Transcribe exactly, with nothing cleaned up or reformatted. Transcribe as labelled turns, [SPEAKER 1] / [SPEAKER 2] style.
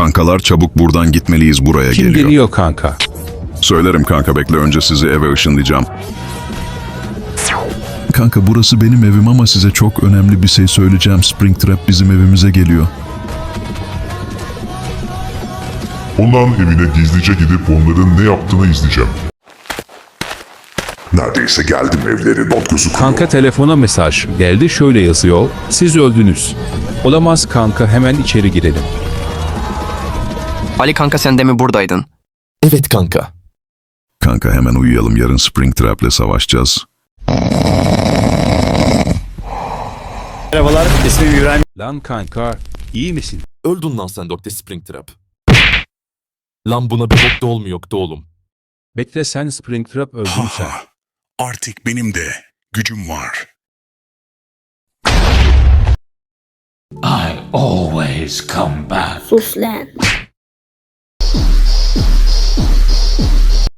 [SPEAKER 1] Kankalar çabuk buradan gitmeliyiz, buraya
[SPEAKER 2] Kim
[SPEAKER 1] geliyor.
[SPEAKER 2] geliyor kanka?
[SPEAKER 1] Söylerim kanka, bekle, önce sizi eve ışınlayacağım. Kanka burası benim evim ama size çok önemli bir şey söyleyeceğim. Springtrap bizim evimize geliyor.
[SPEAKER 3] Onların evine gizlice gidip onların ne yaptığını izleyeceğim. Neredeyse geldim, evleri not gözüküyor.
[SPEAKER 2] Kanka telefona mesaj geldi, şöyle yazıyor. Siz öldünüz. Olamaz kanka, hemen içeri girelim.
[SPEAKER 4] Ali kanka sen de mi buradaydın?
[SPEAKER 5] Evet kanka.
[SPEAKER 1] Kanka hemen uyuyalım, yarın Springtrap'le savaşacağız.
[SPEAKER 6] Merhabalar, ismim İbrahim.
[SPEAKER 2] Lan kanka, iyi misin?
[SPEAKER 5] Öldün lan sen Doktor Springtrap. Lan buna bir bok da olmuyor da oğlum.
[SPEAKER 2] Bekle, sen Springtrap öldün sen.
[SPEAKER 7] Artık benim de gücüm var.
[SPEAKER 8] I always come back.
[SPEAKER 9] Sus lan.